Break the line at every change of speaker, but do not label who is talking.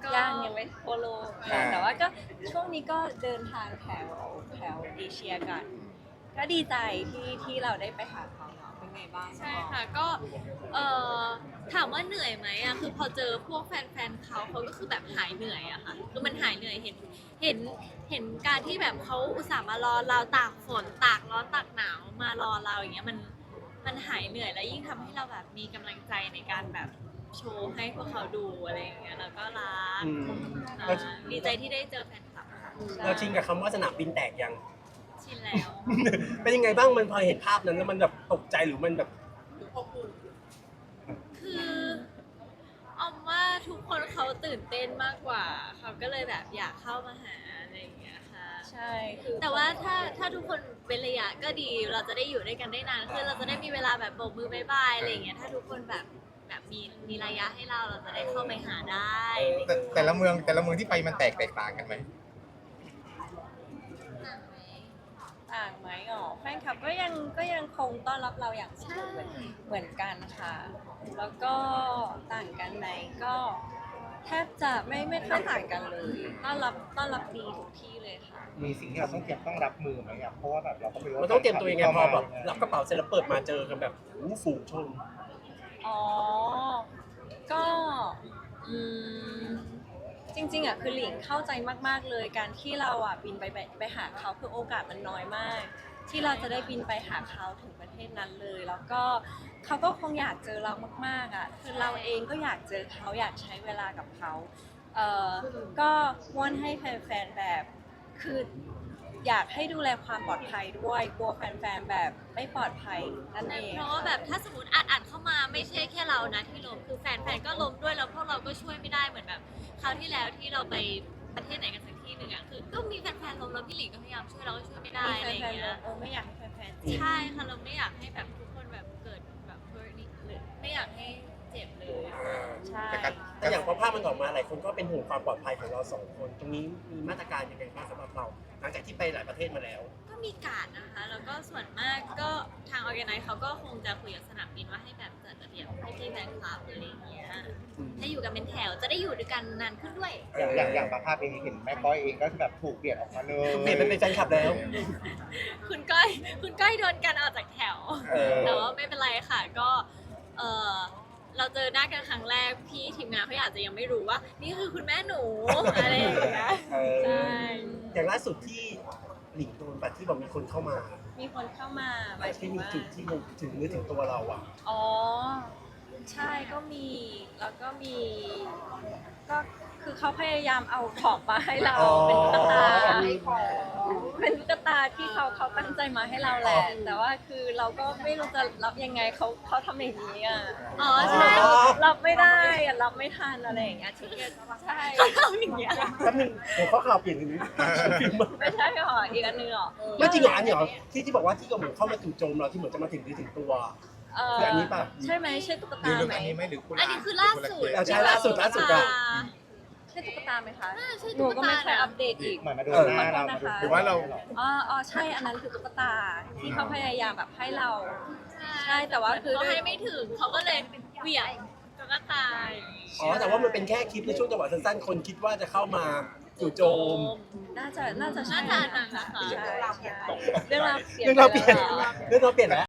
ยังไม่ทั่วโลกแต่ว่าก็ช่วงนี้ก็เดินทางแถวเอเชียกันก็ดีใจที่เราได้ไปหาเขาเนาะเป็นไงบ้าง
ใช่ค่ะก็เอ่อถามว่าเหนื่อยไหมอะคือพอเจอพวกแฟนๆเขาก็คือแบบหายเหนื่อยอะค่ะคือมันหายเหนื่อยเห็นการที่แบบเขาอุตส่าห์มารอเราตากฝนตากร้อนตากหนาวมารอเราอย่างเงี้ยมันหายเหนื่อยแล้วยิ่งทำให้เราแบบมีกำลังใจในการแบบโชว์ให้พวกเขาดูอะไรอย่างเงี้ยแล้วก็รักดีใจที่ได้เจอแฟนคลับค่ะ
เราชินกับคำว่าสนามบินแตกยัง
ชินแล้ว
เป็นยังไงบ้างมันพอเห็นภาพนั้นแล้วมันแบบตกใจหรือมันแบบ
คือออมว่าทุกคนเขาตื่นเต้นมากกว่าเขาก็เลยแบบอยากเข้ามาหาอะไรอย่างเงี้ยค่ะ
ใช่คือ
แต่ว่าถ้าทุกคนเป็นระยะก็ดีเราจะได้อยู่ด้วยกันได้นานขึ้นเราจะได้มีเวลาแบบโบกมือบายบายอะไรอย่างเงี้ยถ้าทุกคนแบบมีระยะให้เราจะได้เข้าไปหาได้
แต่ละเมืองที่ไปมันแตกต่างกันไหม
ต่างไหมอ๋อแฟนคลับก็ยังคงต้อนรับเราอย่างอบอุ่นเหมือนกันค่ะ แล้วก็ต่างกันไหมก็แทบจะไม่ค่อยต่างกันเลยต้อนรับดีทุกที่เลยค่ะ
มีสิ่งที่เราต้องรับมือไหมอ่ะเพราะว่าแบบเราก็ไม่รู้
มันต้องเตรียมตัวยังไงพอแบบรับกระเป๋าเสร็จแล้วเปิดมาเจอกันแบบฝูงชน
อ๋อ ก็จริงๆอ่ะคือหลิงเข้าใจมากๆเลยการที่เราอ่ะบินไปหาเขาคือโอกาสมันน้อยมาก ที่เราจะได้บินไปหาเขาถึงประเทศนั้นเลย แล้วก็เขาก็คงอยากเจอเรามากๆอ่ะคือเราเองก็อยากเจอเขาอยากใช้เวลากับเขาก็ว่อนให้แฟนๆแบบคืออยากให้ดูแลความปลอดภัยด้วยกลัวแฟนๆแบบไม่ปลอดภัยนั่นเอง
เพราะว่าแบบถ้าสมมติอัดเข้ามาไม่ใช่แค่เรานะที่ล้มคือแฟนๆก็ล้มด้วยแล้วพวกเราก็ช่วยไม่ได้เหมือนแบบคราวที่แล้วที่เราไปประเทศไหนกันสักที่หนึ่งอะคือก็มีแฟนๆล้มแล้วพี่หลิงก็พยายามช่วยเราก็ช่วยไม่ได้อะไรอย่างเงี้ย
ไม่อยากให้แฟนๆเจ็บ
ใช่ค่ะเราไม่อยากให้แบบทุกคนแบบเกิดแบบ hurt หรือไม่อยากให้เจ็บเลย
ใช่
แต่อย่างพอภาพมันออกมาหลายคนก็เป็นห่วงความปลอดภัยของเราสองคน ตรงนี้มีมาตรการยังไงบ้างสำหรับเรา หลังจากที่ไปหลายประเทศมาแล้ว
ก็มีการดนะคะแล้วก็ส่วนมากก็ทางออแกไนซ์เขาก็คงจะคุยกับสนามบินว่าให้แบบจัดระเบียบให้พี่แฟนคลับอะไรอย่างเงี้ยให้อยู่กันเป็นแถวจะได้อยู่ด้วยกันนานขึ้นด้วย
อย่างบางภาพเองเห็นแม่ก้อยเองก็แบบถูกเปลี่ยนออกมาเลย
เปลี่ยนไปเป็นแฟนคลับแล้ว
คุณก้อยโดนกันออกจากแถว แต่ว่าไม่เป็นไรค่ะก็เออเราเจอหน้ากันครั้งแรกพี่ทีมงานเขาอาจจะยังไม่รู้ว่า นี่คือคุณแม่หนูอะไรอย่างเงี้ยใช่
อย่างล่าสุดที่หลิงโดนแบบที่บอกมีคนเข้ามา
มีคนเข้ามาหมายถึ
ที่
ง
มี
ว่า
จุดที่มันถึงเนื้อถึงตัวเราอ่ะ
อ๋อ ใช่ก็มีแล้วก็มีก็คือเขาพยายามเอาของมาให้เรา
อ๋อ
เป็นตุ๊กตาที่เขาตั้งใจมาให้เราแหละ แต่ว่าคือเราก็ไม่รู้จะรับยังไงเขาทำอย่างนี้อ่ะ
อ๋อใช่
รับไม่ได้อะรับไม่ทันอะไรอย่างเงี้ยที่ใช่
เขาทำอย่างเงี้ย
แป๊บนึงหัวข้อข่าวเปลี่ยนถึงฟิล์ม
ไม่ใช่หรออีกอันนึงหรอ
ไม่จริงเหรออันนี้เหรอที่บอกว่าที่ก็เหมือนเข้ามาจู่โจมเราที่เหมือนจะมาถึงถึงตัว คืออันนี้ป่ะ
ใช่ไหมใช่ตุ๊ก
หรือ
ตา
เรื่อง
ไหม
อันนี้ไหมหรือคุณ
อันนี้คือล่าสุด
เอาใช่ล่าสุดอะ
ใช่ตุ๊กตาไหมคะ
ใช่
หนู
ตุ๊ก
ก็
ตา
ไม่เคย
นะ
อัปเดตอีก
เหมือนมาดูหน้าเรามาดู
ขอโทษนะคะ
หรือว่าเรา
อ๋อใช่อันนั้นคือตุ๊กตาที่เขาพยายามแบบให้เรา ใช่แต่ว่าคือ
เขาให้ไม่ถึงเขาก็เลยเหวี่ยงแล้วก็ตาย
อ๋อแต่ว่ามันเป็นแค่คลิปในช่วงจังหวะสั้นๆ คนคิดว่าจะเข้ามาจู่โจม
น่าจะใช่
น่าจะอันนั้นนะคะ
ใช่เรื่องราวเปลี่ยน
เรื่องเราเปลี่ยน
ไปแล้ว
เรื่องเราเปลี่ยนแล้ว